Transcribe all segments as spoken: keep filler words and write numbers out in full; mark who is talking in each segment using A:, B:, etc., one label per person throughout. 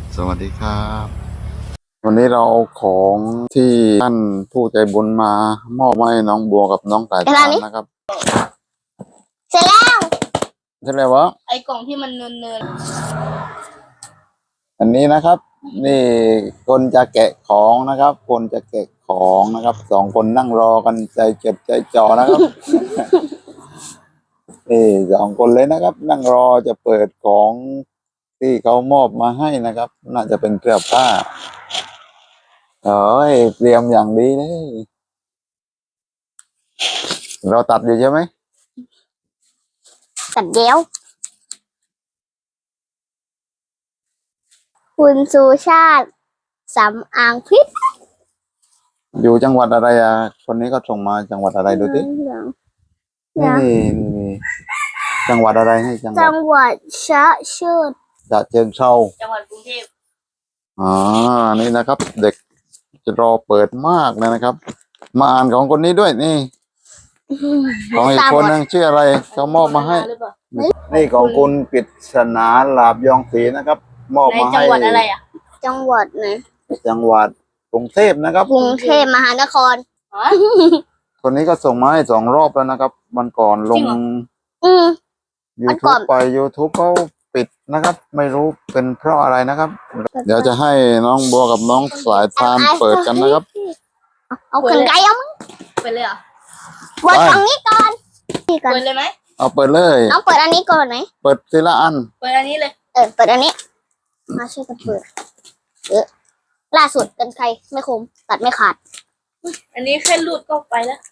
A: สวัสดีครับวันนี้เราเอาของที่ท่านผู้ใจบุญมามอบให้น้องบัวกับน้องไก่ทานนะครับ
B: เสร็จแล้ว
A: ใช่ไหมวะ
B: ไอ้กล่องที่มันเนินเนิน
A: อันนี้นะครับนี่คนจะแกะของนะครับคนจะแกะของนะครับสองคนนั่งรอกันใจเจ็บใจจ่อนะครับนี่สองคนเลยนะครับ นั่งรอจะเปิดของที่เขามอบมาให้นะครับน่าจะเป็นเสื้อผ้าเอ้ยเตรียมอย่างดีเลยเราตัดอยู่ใช่ไหม
B: ตัดเดียวคุณสุชาติสำอางพิษ
A: อยู่จังหวัดอะไรอ่ะคนนี้ก็ส่งมาจังหวัดอะไรดูสินี่นี่จังหวัดอะไรให้จังหวัด
B: จังหวัดชะเชิด
A: ฉะเชิงเทรา
B: จังหวัดกรุงเทพ
A: อ๋อนี่นะครับ เด็กจะรอเปิดมากเลยนะครับ มาอ่านของคนนี้ด้วยนี่ของอีกคนนึงชื่ออะไรเขามอบมาให้นี่ของคุณปริศนาลาบยองศรีนะครับ มอบมาให้
B: จังหวัดอะไรอ่ะจังหวัดไหน
A: จังหวัดกรุงเทพนะครับ
B: กรุงเทพมหานคร
A: คนนี้ก็ส่งมาให้สองรอบแล้วนะครับวันก่อนลงยูทูบไป ยูทูบ เขาปิดนะครับ ไม่รู้เป็นเพราะอะไรนะครับ เดี๋ยวจะให้น้องบัวกับน้องสายทานเปิดกันนะครับ
B: เอาขนไก่เอามั้งเปิดเลยเหรอเปิดตรงนี้ก่อนนี่ก่อนเปิดเลยไหม
A: เอาเปิดเลย
B: น้องเปิดอันนี้ก่อนไหม
A: เปิดทีละอัน
B: เปิดอันนี้เลยเออเปิดอันนี้มาช่วยกันเปิดเออล่าสุดกันใครไม่คมตัดไม่ขาดอันนี้แค่รูดก็ไปแล้ว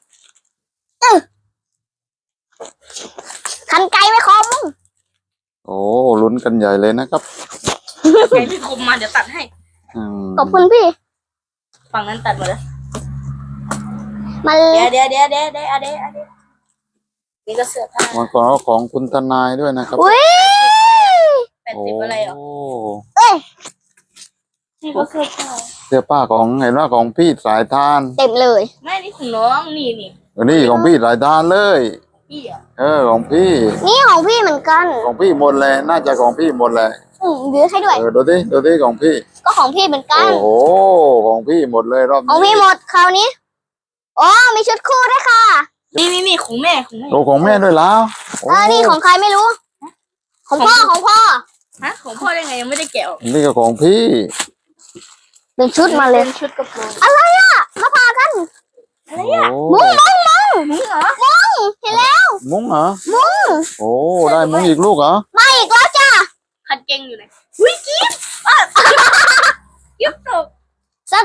B: คันไกลไม่คม
A: โอ้ลุ้นกันใหญ่เลยนะครับ
B: ไกลไม่คมมาเดี๋ยวตัดให้ขอบคุณพี่ฝั่งนั้นตัดหมดแล้วมาเดี๋ยวเดี๋ยวเดี๋ยวเดี๋ยวเดี๋ยวเดี๋ยวเดี๋ยวนี่ก็เสื้อผ้า
A: วันก่อนก็ของคุณทนายด้วยนะครับ
B: อุ้ยแปดสิบอะไรหรอเอ้ยนี่ก็เสื้อผ้า
A: เสื้อผ้าของเห็นว่าของพี่สายทาน
B: เต็มเลยไม่นี่ของน้องนี่นี่
A: อันนี้ของพี่สายทานเลยพี่อ่ะเออของพี่
B: นี่ของพี่เหมือนกัน
A: ของพี่หมดเลยน่าจะของพี่หมดเลย
B: อืมยื้อให้ด้วย
A: เออดูดิดูดิของพี่
B: ก็ของพี่เหมือนกัน
A: โอ้โหของพี่หมดเลยรอบนี้
B: ของพี่หมดคราวนี้อ๋อมีชุดคู่ด้วยค่ะนี่นี่นี่ของแม่ของแม่
A: โอ้ของแม่ด้วยแล้ว
B: เออนี่ของใครไม่รู้ของพ่อของพ่อฮะของพ่อได้ไงยังไม่ได้แกะ
A: นี่ก็ของพี่
B: เป็นชุดมาเลยชุดกระโปรงอะไรอ่ะมาพากันอะไรอ่ะมุ้งมุ้งมุ้งมุ้งเหรอมุ้งเห็นแล้ว
A: มุ้งเหรอ
B: มุ้ง
A: โอ้ได้มุ้งอีกลูกเหรอ
B: มาอีกแล้วจ้าคันเก่งอยู่ไหนอุ้ยกิ๊บอ่ะกิ๊บตกสัก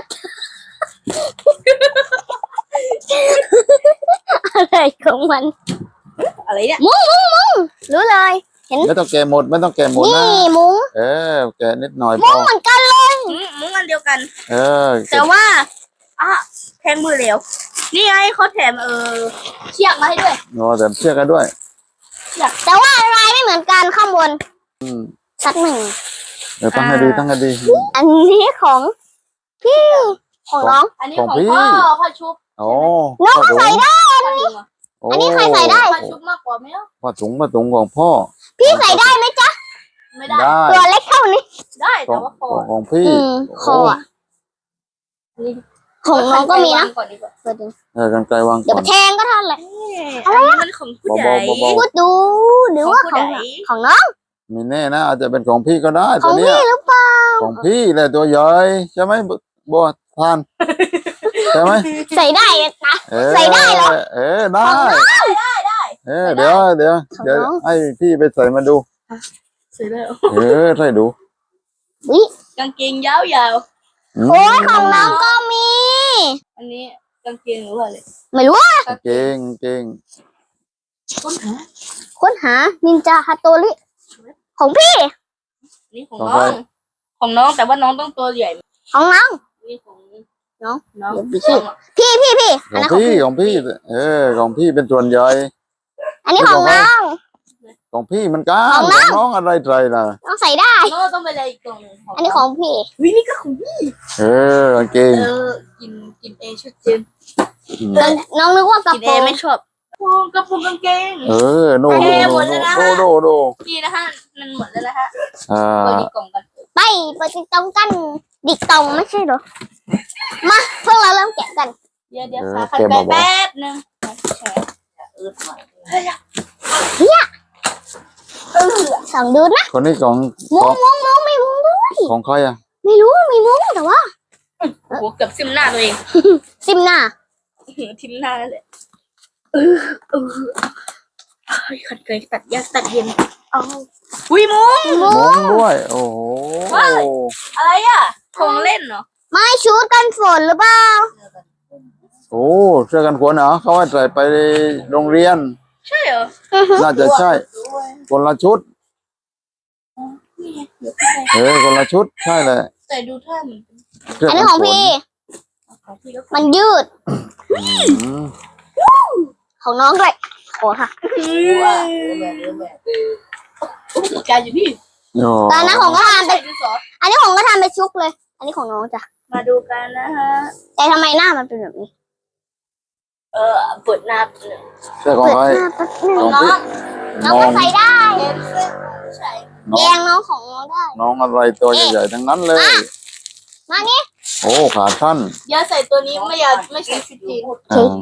B: อะไรของมันอะไรเนี่ยมุ้งมุ้งมุ้งรู้เลยเห็น
A: ไม่ต้องแกะหมดไม่ต้องแกะหมดนะ
B: นี่มุ้ง
A: เออแกะนิดหน่อย
B: มุ้งเหมือนกันเลยมุ้งอันเดียวกัน
A: เออ
B: แต่ว่าอ่ะแทงมือเหลวนี่ไงเขาแถมเออเชือกมาให้ด้วย
A: โอ้แถมเชือกกันด้วย
B: แต่ว่าลายไม่เหมือนกันข้างบนสักหนึ่ง
A: เดี๋ยวตั้งให้ดีตั้งให้ดี
B: อันนี้ของพี่ของน้องอันนี้ของพ่อพ่อชุบ
A: โอ้
B: น้องใส่ได้อันนี้อันนี้ใครใส่ได้พ่อชุบมากกว่าไหม
A: พ่อถุงพ่อถุงของพ่อ
B: พี่ใส่ได้ไหมจ๊ะไม่ได้ตัวเล็กเท่านี้ได้แต่ว่าคอ
A: ของพี่
B: คอของน้องก็มีนะ
A: เออกันไกลวาง
B: เดี๋ยวแทงก็ทันแหละอะไรมันของผู้ใหญ่พูดดูหรือว่าของของน้อง
A: มีแน่นะอาจจะเป็นของพี่ก็ได้
B: ของพี่หรือเปล่า
A: ของพี่แหละตัวใหญ่ใช่ไหมบัวทานใช่ไหม
B: ใส่ได้นะใส่ได้เหรอ
A: เออได้
B: ได้ได้
A: เออเดี๋ยวเดี๋ยวเดี๋ยวให้พี่ไปใส่มาดู
B: ใส่ได้
A: เออใส่ดู
B: วิกางเกงยาวๆโอ้ยของน้องก็มีอันนี้กางเกงหรือว่าอะไรไม่รู้อ่ะ
A: กางเกงเกง
B: ค้นหาค้นหานินจาฮาโตริของพี่นี่ของน้องของน้องแต่ว่าน้องต้องตัวใหญ่ของน้องนี่ของน้องน้องพี่พี่พี่พี่
A: ของพี่ของพี่เออของพี่เป็นส่วนใหญ่
B: อันนี้ของน้อง
A: ของพี่มันก้าของน้องอะไรใจนะ
B: น้องใส่ได้น้องต้องไปเลยอีกกล่องนึงอันนี้ของพี่วินี่ก็ของพี่
A: เออกางเกง
B: เออกินกินเอชุดเจนน้องนึกว่ากระโปรงไม่ชอบกระโปรงกางเกง
A: เออโนโนโนโนโน
B: พี่นะฮะมันหมดแล้วนะฮะ
A: อ่า
B: กล่องกันไปไปติดตรงกันดิกตรงไม่ใช่เหรอมาพวกเราเริ่มแกะกัน
C: เดี๋ยวเดี๋ยวขาขันไปแป๊บนึงอืดหน่อย
B: เออสองดูนะ
A: คนนี้ของ
B: มุ้
A: ของ
B: งมุ้งมุ้งมีมุ้งด้วย
A: ของใครอ่ะ
B: ไม่รู้มีมุ้งแต่ว่า
C: โอ้โหเกือบซิมหน้าตัวเอง
B: ซิมหน้า
C: ทิมหน้าแล้วแหละเออเออเฮ้ยขันเกยตัดยากตัดเย็น
B: เอา
C: อุ้ยมุ้ง
B: มุ้
A: ม
B: ง
A: งด้วย โอ้โห
C: อะไรอ่ะของเล่นเหรอ
B: ไม่ชุดกันฝนหรือเปล่า
A: โอ้เสื้อกันฝนเหรอเขาให้ใส่ไปโรงเรียน
C: ใช่เหรอ
A: น่าจะใช่คนละชุด
C: นี่ไงเดี๋ยวพี่
A: เออคนละชุดใช่เลย
C: แต่ดูท่าเหมือนเป็น
A: เสื้อ
B: อัน
A: กั
B: นี้
A: น
B: ของ
A: ฝน
B: พี่
C: ของพี่แล้ว
B: มันยืด
A: อืม
B: ของน้องด้วยโอ้ค่ะ
C: ว่าแบบแบบอุปกรณ์อยู่พี่
A: โอ้
B: ตอนนั้นของก็ทำไป
C: ใส่ดินสอ
B: อันนี้ของก็ทำไปชุกเลย อันนี้ของน้องจ้ะ
C: มาดูกันนะฮะ
B: แต่ทำไมหน้ามันเป็นแบบนี้
C: เออเปิดหน้าหนึ่ง
A: เสื้อของ
B: เปิด
A: ใคร
B: หน้าแป๊บนึง
A: ของ
B: น้อง
A: พี่
B: น้องก็ใส่ได้
C: เอ็นเสื้อใช่
A: น้
B: แย
A: อง
B: งน้องของน้องได้
A: น้องอะไรตัวใหญ่ๆทั้งนั้นเลย
B: มานี่
A: โอ้ขาสั้น
C: อย่าใส่ตัวนี้ไม่อยากไม่ใช่ชุดจีน
A: อ่า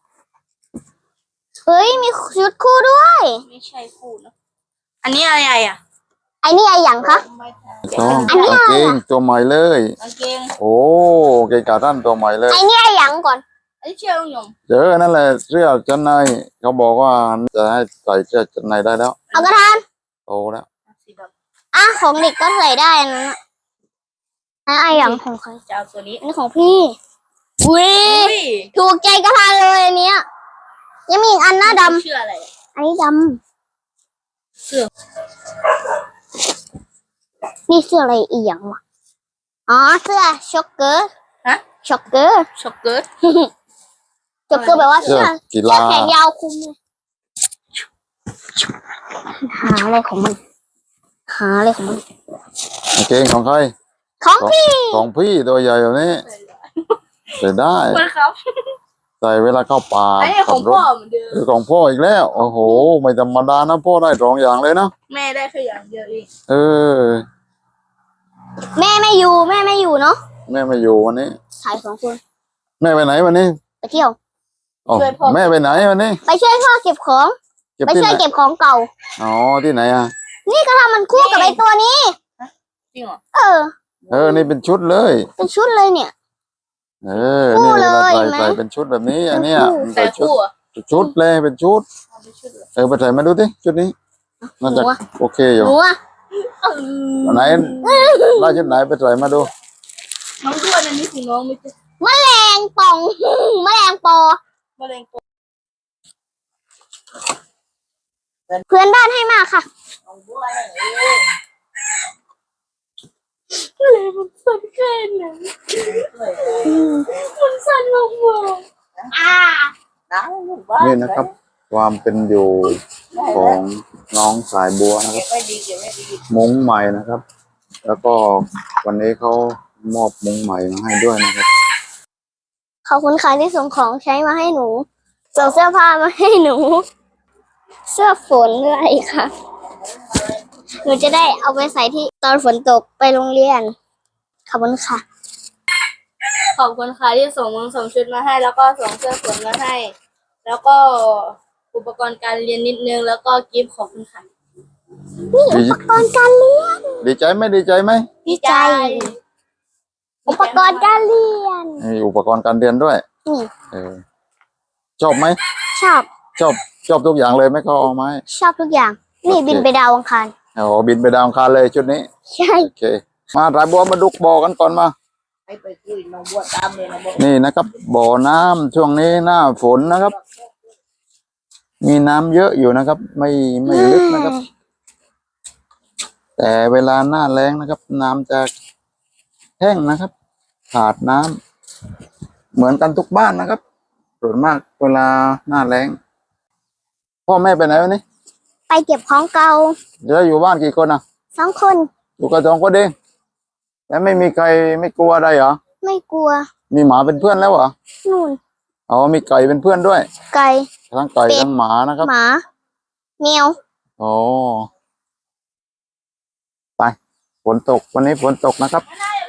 B: เฮ้ยมีชุดคู่ด้วย
C: ไม่ใช่คู่นะอันนี้อะไรอ่ะ
B: ไอ้นี่อะไรอย่างคะ
A: ต้อง
B: อันนี้
A: กาง
B: อะไร
A: เกง
B: อ่ะ
A: ตัวใหม่เลย
C: กางเกง
A: โอ้เกงขาสั้นตัวใหม่เลย
B: ไอ้นี่อะไรอย่างก่อน
C: อันนี้เชื่อลุงยง
A: เจอนั่นแหละเสื้อชั้นในเขาบอกว่าจะให้ใส่เสื้อชั้นในได้แล้ว
B: เอากระทาน
A: โตแล้ว
C: สีด
B: อ่ะของเด็กก็ใส่ได้อันนั้นอะอันไอ้อย่างของใคร
C: ำจะเอาตัวนี้
B: อันนี้ของพี่อุ้ย
C: อุ้ย
B: ถูกใจกระทานเลยอันเนี้ยยังมีอีกอันหน้าด
C: เชื่ออะไร
B: ำอันนี้ด
C: เสื้อ
B: ำนี่เสื้ออะไรอีกอย่างวะอ๋อเสื้อช็อกเกอร์
C: ฮะ
B: ช็อกเกอร์
C: ช็อกเกิร์ต
B: ช็อกเกอร์แปลว่า
A: เสื้
B: เสื้
A: อ
B: อ
A: กี
B: เสื้อ
A: ฬา
B: แขนยาวคลุมเลยหาอะไรของมัน หาอะไรของมัน
A: กางเกงของใคร
B: ของพี่
A: ของพี่ตัวใหญ่แบบนี้ใส่ได้
C: มันครับ
A: ใส่เวลาเข้าป่า
C: อันนี้ข
A: ขั
C: อง
A: บร
C: พ่อ
A: ถ
C: เหมือนเดิม
A: เออของพ่ออีกแล้ว โอ้โห ไม่ธรรมดานะพ่อได้สองอย่างเลยนะ
C: แม่ได้แค่อย่างเดียวเอง
A: เออ
B: แม่ไม่อยู่แม่ไม่อยู่เนาะ
A: แม่ไม่อยู่วันนี้
B: ถ่ายสองคน
A: แม่ไปไหนวันนี้
B: ไปเที่ยว
A: อ๋อแม่ไปไหนวันนี้
B: ไปช่วยพ่อเก็บของ
A: เก็บ
B: ไป
A: ที่
B: ช่
A: ไห
B: วย
A: น
B: เก็บของเก่า
A: อ๋อที่ไหนอ่ะ
B: นี่ก็ทำมันคู่กับไอ้ตัวนี้
C: จริงเหรอ
B: เออ
A: เออนี่เป็นชุดเลย
B: เป็นชุดเลยเนี่ย
A: เออ
B: คู่
A: นี่เวลา
B: เลย
A: ใส่
B: ไหม
A: ใส่เป็นชุดแบบนี้ อันเนี้ย
B: คู่
A: มัน
C: แต่
A: ใส่ชุด
C: คู่อะ
A: ชุดเลยเป็นชุด
C: เอาไปชุดเหรอ
A: เออไปใส่มาดูสิชุดนี้น่าจะ
B: หนูอะ
A: โอเคอยู่
B: หนูอะ
C: เออ
A: อันไหนได้ชุดไหนไปใส่มาดู
C: น้องด้วนอันนี้ของน้องไม่ใช่
B: แมลงป่อง แมลงปอ
C: มะเร็งตัว
B: เพื่อนบ้านให้มาค่ะ
C: ของด้วนเองมะเร็งมันสั่นแค่ไหนมันสั่นมากๆอ่าน้ำหมู่บ้าน
A: นี่นะครับ ความเป็นอยู่ของน้องสายบัวนะค
C: เก็
A: รั
C: บบ ไว้ดีเก็บไว้ดี
A: มุ้งใหม่นะครับ แล้วก็วันนี้เขามอบมุ้งใหม่มาให้ด้วยนะครับ
B: ขอบคุณค่ะที่ส่งของใช้มาให้หนู ส่งเสื้อผ้ามาให้หนู เสื้อฝนด้วยค่ะ หนูจะได้เอาไปใส่ที่ตอนฝนตกไปโรงเรียน ขอบคุณค่ะ
C: ขอบคุณค่ะที่ส่งมึงส่งชุดมาให้ แล้วก็ส่งเสื้อฝนมาให้ แล้วก็อุปกรณ์การเรียนนิดนึงแล้วก็กิฟต์ขอบคุณค่ะ
B: นี่อุปกรณ์การเรียน
A: ดีใจไหมดีใจไหม
B: ดีใจ อุปกรณ์การเรียน
A: มีอุปกรณ์การเรียนด้วย
B: นี่
A: เออชอบไหม
B: ชอบ
A: ชอบชอบทุกอย่างเลยไหมเขาเอาไหม
B: ชอบทุกอย่าง นี่
A: โอเค
B: บินไปดาวอังคาร
A: อ๋อบินไปดาวอังคารเลยชุดนี้
B: ใช่
A: โอเค มาสายบัวมาดุกบ่อกันก่อนมา
C: ให้ไปคุยน้องบัวตามเลยนะบัว
A: นี่นะครับ บ่อน้ำช่วงนี้หน้าฝนนะครับ มีน้ำเยอะอยู่นะครับ ไม่ไม่ลึกนะครับ แต่เวลาหน้าแล้งนะครับ น้ำจะแห้งนะครับ ขาดน้ำเหมือนกันทุกบ้านนะครับส่วนมากเวลาหน้าแล้ง พ่อแม่ไปไหนวันนี้
B: ไปเก็บของเก่า
A: เดี๋ยวอยู่บ้านกี่คนอ่ะ
B: สองคน
A: อยู่กันสองคนเองแล้วไม่มีใครไม่กลัวอะไรเหรอ
B: ไม่กลัว
A: มีหมาเป็นเพื่อนแล้วเหรอ
B: นู่น
A: อ๋อมีไก่เป็นเพื่อนด้วย
B: ไก่
A: ทั้งไก่
B: เป็ด
A: ทั้งหมานะครับ
B: หมาแมว
A: อ๋อไปฝนตกวันนี้ฝนตกนะครับ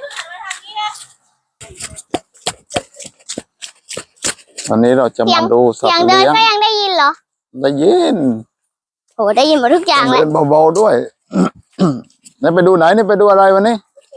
A: วันนี้เราจะมาดูสัต
B: เสียง
A: ว์
B: เดิน
A: เลี้ยง
B: ก็ยังได้ยินเหรอ
A: ได้ยิน
B: โหได้ยินหมดทุกอย่างเลย
A: เดินเบาๆด้วย นี่ไปดูไหนนี่ไปดูอะไรวันนี้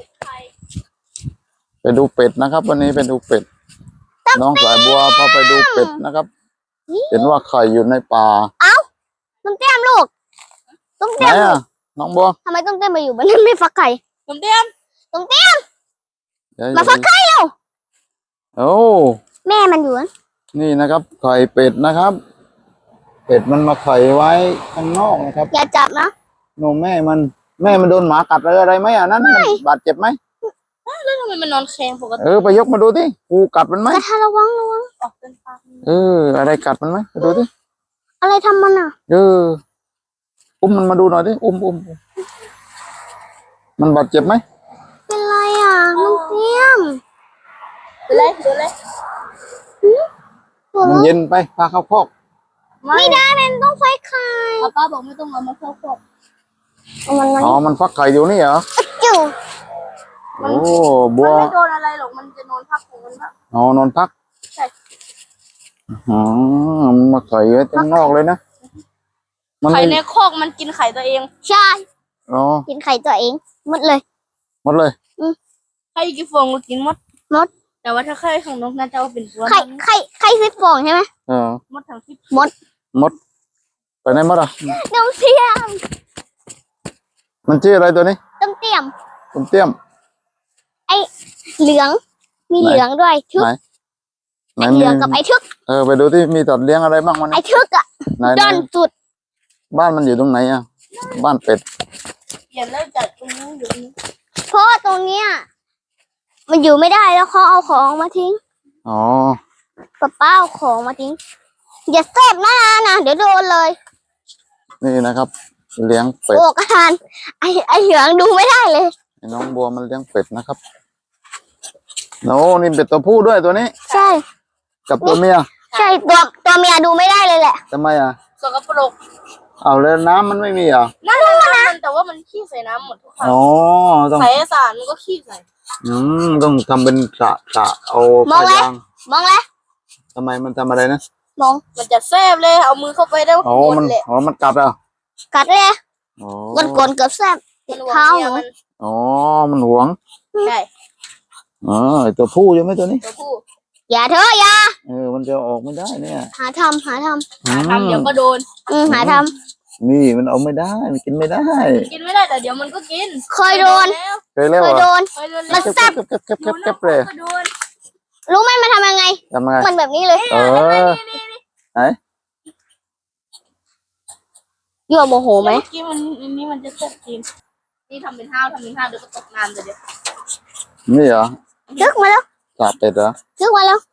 A: ไปดูเป็ดนะครับ วันนี้ไปดูเป็ด น้องสายบัวพาไปดูเป็ดนะครับ เห็นว่าไข่อยู่ในป่า
B: ต้มเตี้ยมลูกต้ม
A: ไหน
B: เตี้ยม
A: อ่ะน้องบัว
B: ทำไมต้มเตี้ยมมาอยู่บ้านนั้นไม่ฟักไข่
C: ผมเตรียม
B: ต้มเตี้ยม
A: เดี๋ยว
B: มาฟักไข่แล้ว
A: โอ้
B: แม่มันอยู่นะ
A: นี่นะครับ ไข่เป็ดนะครับ เป็ดมันมาไข่ไว้ข้างนอกนะครับ
B: อย่าจับนะ
A: โนแม่มันแม่มันโดนหมากัดอะไรอะไรไหมอ่ะนั่นมันบาดเจ็บไหม
C: แล้วทำไมมันนอนแข็งปกติ
A: เออไปยกมาดูที่กูกัดมันไหม
B: กระทะระวังระวัง
C: ออกเป็นปาก
A: เอออะไรกัดมันไหมไปดูที่
B: อะไรทำมันอ่ะ
A: เอออุ้มมันมาดูหน่อยดิอุ้มอุ้มอุ้มมันบาดเจ็บไหม
B: เป็นไรอ่ะต้มเตี้ยม
C: ดูเลยดูเลย
B: ตัว
A: มันเย็นไปพาเข้าคอก
B: ไม่ได้เป็นต้องไฟไข่
C: ป้าป้าบอกไม่ต้องเอามาเข้าครอบ
B: เอามันมัน
A: อ๋อมันฟักไข่อยู่นี่เหรอ
B: จู่
A: โอ้บั
C: มั
A: วน
C: ไม่โดนอะไรหรอกมันจะนอนพักของมันพัก
A: อ๋อนอนพัก
C: ใช่
A: อ๋อมันมาไข่ไว้ข้างนอกเลยนะมัน
C: ไข่
A: ไม่
C: ในคอกมันกินไข่ตัวเอง
B: ใช่
A: อ๋อ
B: กินไข่ตัวเองหมดเลย
A: หมดเลย
C: ไข่กี่ฟองก็กินหมด
B: หมด
C: แต่ว่าถ้าไข่ของนกน่าจะเอาเป็นตัว
B: ไข่ไข่ไข่สิบฟองใช่ไหม
A: เออ
C: หมดทั้งที่
A: หมดไปไหนหมดอ่ะ
B: ต้มเตี้ยม
A: มันชื่ออะไรตัวนี้
B: ต้มเตี้ยม
A: ต้มเตี้ยม
B: เหลือง มี
A: ไหน
B: เหลืองด้วยทึก
A: ไหน ไหน
B: ไอ้
A: มี
B: เหลืองกับไอ้ทึก
A: เออไปดูที่มีสัตว์เลี้ยงอะไรบ้างมัน
B: ไอ้ทึกอ่ะ
A: ไหน
B: ดอนสุด
A: บ้านมันอยู่ตรงไหนอ่ะบ้านเป็ด
C: เปลี่ยนแล้วจากตรงนี้อยู่ตรงนี้
B: เพราะว่าตรงเนี้ยมันอยู่ไม่ได้แล้วเขาเอาของมาทิ้ง
A: อ๋อ
B: ป้าป้าเอาของมาทิ้งอย่าเสพนะนะเดี๋ยวโดนเลย
A: นี่นะครับ เลี้ยงเป็ด
B: โอกอาหารไอ้ไอ้เหลืองดูไม่ได้เลย
A: ไอ้น้องบัวมันเลี้ยงเป็ดนะครับโน้นี่เป็ดตัวผู้ด้วยตัวนี้
B: ใช่
A: กับตัวเมีย
B: ใช่ตัวตัวเมียดูไม่ได้เลยแหละ
A: ทำไมอ่ะ
C: สกปรก
A: เอาแล้วน้ำมันไม่มีเหรอ่ะ
C: นั่นแหละมันแต่ว่ามันขี้ใส่น้ำหมดทุกครั้ง
A: อ๋อต้อง
C: ใส่สารมันก็ขี้ใส่
A: อืมต้องทำเป็นสระสระเอา
B: มองแล้ว
A: ยาง
B: มองแล้ว
A: ทำไมมันทำอะไรนะ
B: มอง
C: มันจะแซ่บเลยเอามือเข้าไปได้
A: อ๋อ
C: หม
A: มัน
C: ดเลย
A: อ๋อมันกัดอ่ะ
B: กัดเลย
A: อ๋อ
B: กดกดเกือบแซ่บติดเท้าหนู
C: มัน
A: อ๋อมันหวง
C: ใช่
A: อ๋อไอ้ตัวผู้ใช่ไหมตัวนี้
C: ตัวผู้
B: อย่าเถอะอย่า
A: เออมันจะออกไม่ได้เนี่ย
B: หาทำหาท
C: หาทำเดี๋ยวก็โดน
B: ำอืมหาท
A: นี่มันเอาไม่ได้มันกินไม่ได้
C: กินไม่ได้แต่เดี๋ยวมันก็กิน
B: ำเคยโดน
C: แล้ว
A: เคยเล่า
B: เคย
A: อ่ะ
B: โดน
C: เคยโดน
B: มั
C: แล้ว
B: นแซ่บ
A: เก็บเก็บเก็บ
C: อ
A: เก็
C: ยู่
A: บ
C: น
A: เก็
C: อบ ก
A: เลย
C: ก็โดน
B: รู้ไหมมันทำยังไง
A: ทำไง
B: มันแบบนี้เลย
A: เออ ไหน
B: ยั่วโมโหไหม
C: เมื่อกี้มันอันนี้มันจะแซ่บจริงนี่ทำเป็นห้าวทำเป็นห้าวเดี๋ยวก็ตกน้ำเดี๋ยวเดี๋ยว
A: นี่เหรอ
B: ทึกมาแล้ว
A: สาเป็ดเหรอ
B: ทึกมาแล้ว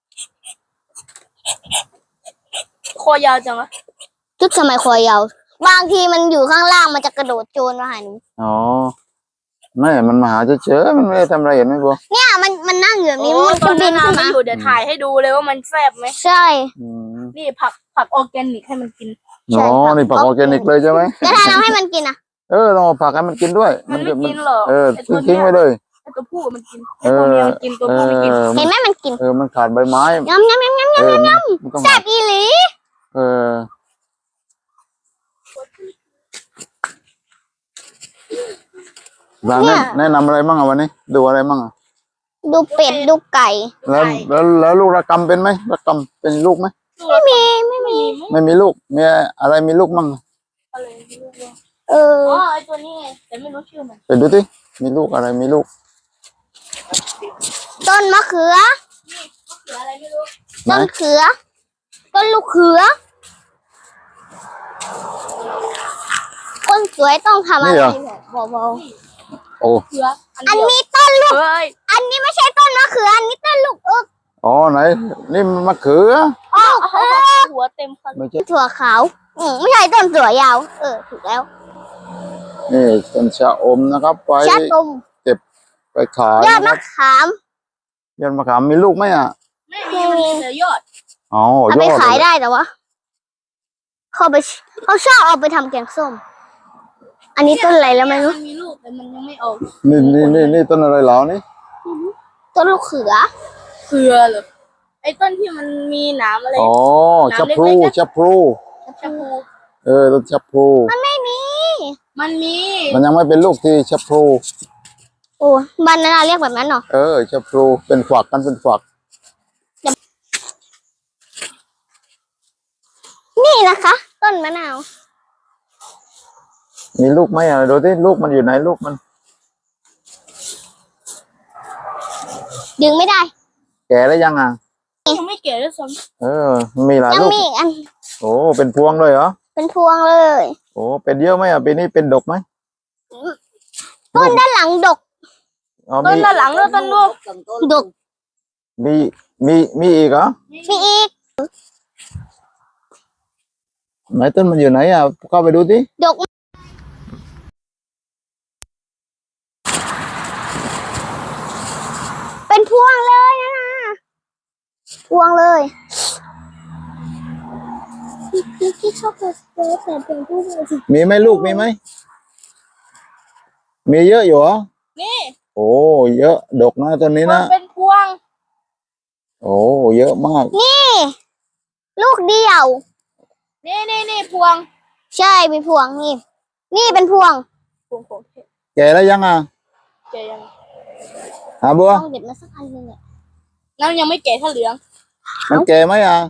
C: คอยาวจังวะ
B: ทึกทำไมคอยาวบางทีมันอยู่ข้างล่างมันจะกระโดดโจรมาหาหนู
A: อ๋อไม่มันมาหาเฉยๆมันไม่ได้ทำอะไรเห็นไหมบัว
B: เนี่ยมันมันนั่งอยู่แบบนี้
C: โอ้
B: มัน
C: ตอ
B: จะ
C: น
B: บิ
C: นั้น
B: นขึ้น
C: น้ำ
B: มา
C: มันอยู่เดี๋ยวถ่ายให้ดูเลยว่ามันแซ่บไหม
B: ใช่
A: อืม
C: นี่ผักผักออร์แกนิกให้มันกิน
B: ใช่
A: อ๋อ
B: ครับ
A: นี่ผักออร์แกนิกเลยใช่ไหม
B: แล้วถ้าเราให้มันกินอ่ะ
A: เออต้องเอาผักให้มันกินด้วย
C: มันไม่
A: จะ
C: กินหรอก
A: เออ
C: ไอ้ตัว
A: ทิ้ง
C: เนี้ย
A: ไว้เลย
C: ไอ้ตัวผู้มันกิน
A: เอ
C: ไอ้ตัว
A: อ
C: เมียมันกินตัว
A: เอ
C: ผู้ไม่กิน
A: อ
B: เห็นไหมมันกิน
A: เออมันขาดใบไม้
B: ยำยำยำยำ
A: เออมันมันต้อง
B: แซ่บอีหลี
A: เออร้านแนะแนะนำอะไรบ้างอ่ะวันนี้ ดูอะไรบ้างอ่ะ
B: ดูเป็ดดูไก่
A: แล้วแล้วแล้วลูกระกำเป็นไหมระกำเป็นลูกไหม
B: ไม่มีไม่มี
A: ไม่มีลูกมีอะไรมีลูกมั่ง
C: อะไรไม่รู้ว่า
B: เออ
C: อ๋อไอ้ตัวนี้ไงแต่ไม่รู้ชื่อมัน
A: ไปดูสิมีลูกอะไรมีลูก
B: ต้นมะเขือ
C: เหลืออะไรไม่รู้
A: ไหน
B: ต้นเขือ ต้นลูกเขือ คนสวยต้องทำอะไรแบบเบา
A: โอ้
C: เหลืออัน
B: ๆอัน
C: เดียว
B: นี้ต้นลูก
C: เฮ้ย
B: อันนี้ไม่ใช่ต้นมะเขือ อันนี้ต้นลูกเอิก
A: อ๋อไหน นี่มันมะเขือ
B: อ๋อเออ
C: หัวเต็มคัน
A: ไม่ใช่
B: ถั่วขาวอืมไม่ใช่ต้นถั่วยาว เออ ถูกแล้ว
A: นี่ต้นชะอมนะครับ ไป
B: ชะตม
A: ไปขาย
B: ยอด
A: นะค
B: มะ
A: รับ
B: ขาม
A: ยอดมะขามมีลูกไหมอ่ะ
C: ไม่มีมันมีแต่ยอด
A: อ๋อ
B: เอา
A: ย
B: ไป
A: อด
B: ขาย
A: เลย
B: ได้แต่ว่าเขาไปเขาชอบเอาไปทำแกงส้มอันนี้ต้นอะไรแล้วไม่รู้
C: มันมีลูกแต่มันยังไม่ออก
A: นี่นี่นี่นี่ต้นอะไรเหรอนี่
B: ต้นลูกเขือ
C: เครือเหรอไอ้ต้นที่มันมีหนามอะไร
A: อ๋อชับพลูชับพลู
C: ชะพู
A: เออต้นชับพลู
B: มันไม่มี
C: มันมี
A: มันยังไม่เป็นลูกที่ชับพลู
B: โอ้บ้านนั้นเราเรียกแบบนั้นเหรอ
A: เออชับพลูเป็นฝักกันเป็นฝัก
B: นี่นะคะ ต้นมะนาว
A: มีลูกไหมอ่ะดูที่ลูกมันอยู่ไหนลูกมัน
B: ดึงไม่ได้
A: แก่แล้วยังอ่ะ
C: ยังไม่แก่ด้วยซ้
A: เออมีหลาย
B: ยัง
A: ลูก
B: มีอีกอัน
A: โอ้เป็นพวงเลยเหรอ
B: เป็นพวงเลย
A: โอ้เป็นเยอะไหมอ่ะปีนี้เป็นดกไหม
B: ต้นด้านหลังดก
A: อ๋อ
C: ำต้น
A: มี
C: ด้านหลังด้วยต้นลูก
B: ดก
A: มีมีมีอีกเหรอ
B: มีอีก
A: ไหนต้นมันอยู่ไหนอ่ะเข้าไปดูดิ
B: ดก เป็นพวงเลยนะนะพวงเลยพี่พี่ชอบแต่แต่เป็นพวงเลยสิ
A: มีไหมลูกมีไหมมีเยอะอยู่เหรอ
C: นี่
A: โอ้เยอะดกนะต้นนี้
C: มั
A: นะ
C: นเป็นพวง
A: โอ้เยอะมาก
B: นี่ ลูกเดียว
C: นี่นี่นี่พวง
B: ใช่เป็นพวงนี่ นี่เป็นพวง
C: พวงของเทพ
A: แก่แล้วยังอ่ะ
C: แก่ยัง
A: หาบัว
B: ต้องเด็ดมาสักอันหนึงเนี่ย
C: น้ำยังไม่แก่ถ้าเหลือง
A: มันแก่ไหมอ่ะ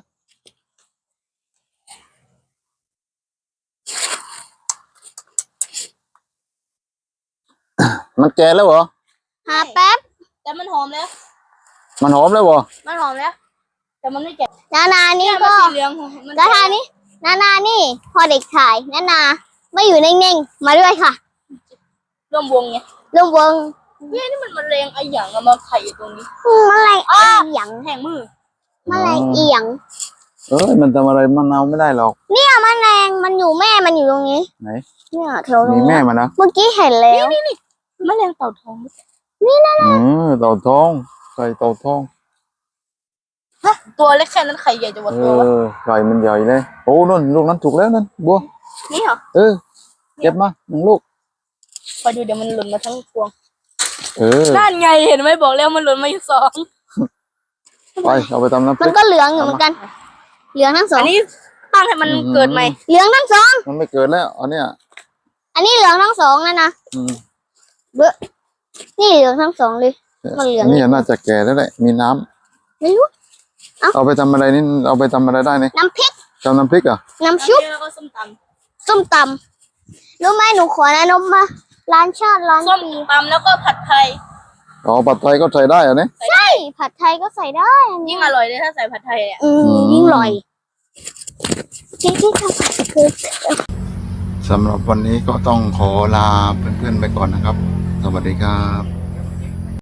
A: มันแก่แล้วเหรอ
B: หาแป๊บ
C: แต่มันหอมแล้ว
A: มันหอมแล้วเหรอ
C: มันหอมแล้ว แต่มันไม่แก่
B: นานานี่
C: เนี่ยมัน
B: ก็
C: สีเหลืองมัน
B: นานานี่นานานี่พอเด็กถ่ายนานาไม่อยู่นิ่งๆ มาด้วยค่ะ
C: ร่วมวงไง
B: ร่วมวง
C: เฮ้ยนี่มันมะเร็งไอ้หยังอะมาไข่อยู่ตรงนี้
B: อืมอะไรอีหยัง
C: แห้งมือ
B: อะไรอีหยัง
A: เอ้ยมันทำอะไรมันเอาไม่ได้หรอก
B: เนี่ยแมลงมันอยู่แม่มันอยู่ตรงนี้
A: ไหน
B: เนี่ยแถวตร
A: มี
B: ง
A: แม่
B: นี้
A: มันนะ
B: เมื่อกี้เห็นแล้ว
C: มะเร็งเต่าทอง
A: อืมเต่าทองไก่เต่าทอง
C: ฮะตัวเล็กแค่นั้นไข่ใหญ่จะหมด
A: เอ
C: ตัววะ
A: อไก่มันใหญ่เลยโอ้นั่นลูกนั้นถูกแล้วนั่นบัว
C: นี่เหรอ
A: เออเก็บมาหนึ่งลูก
C: คอยดูเดี๋ยวมันหล่นมาทั้งพวง
A: เออ
C: นั่นไงเห็นไหมบอกแล้วมันหล่นมาอยู่สอง
A: ไปเอาไปทำน้ำพ
B: มั
A: ริ
B: น
A: ก
B: ก็เหลืองอยู่เหมือนกัน เหลืองทั้งสอ
C: อั
B: ง
C: นนี้ตั้งให้มันเกิดใหม่
B: เหลืองทั้งสอง
A: มันไม่เกิดแล้วอันเนี้ย
B: อันนี้เหลืองทั้งสองนะนะ
A: อืม
B: นี่เหลืองทั้งสองเลย มันเหลือง
A: อันนี้น่าจะแก่แล้วแหละมีน้ำ
B: ไม่รู้
A: เอาไปทำอะไรนี่เอาไปทำอะไรได้นี่
B: น้ำพริก
A: ทำน้ำพริกเหรอ่ะ
B: น้ำชุบ
C: แล้วก็ส้มต
B: ส้มตำรู้ไหมหนูขอนะนมมา ร้านชาติร้าน
C: ำส้ม
B: ปี
C: ตำแล้วก็ผัดไทย
A: อ๋อผัดไทยก็ใส่ได้เหรอันนี้
B: ใช่ ผัดไทยก็ใส่ได้อันนี้
C: ยิ่งอร่อยเลยถ้าใส่ผัดไทยเนี่ย
B: อืมยิ่งอร่อยที่ที่ทำผัดคือ
A: สำหรับวันนี้ก็ต้องขอลาเพื่อนๆไปก่อนนะครับ สวัสดีครับ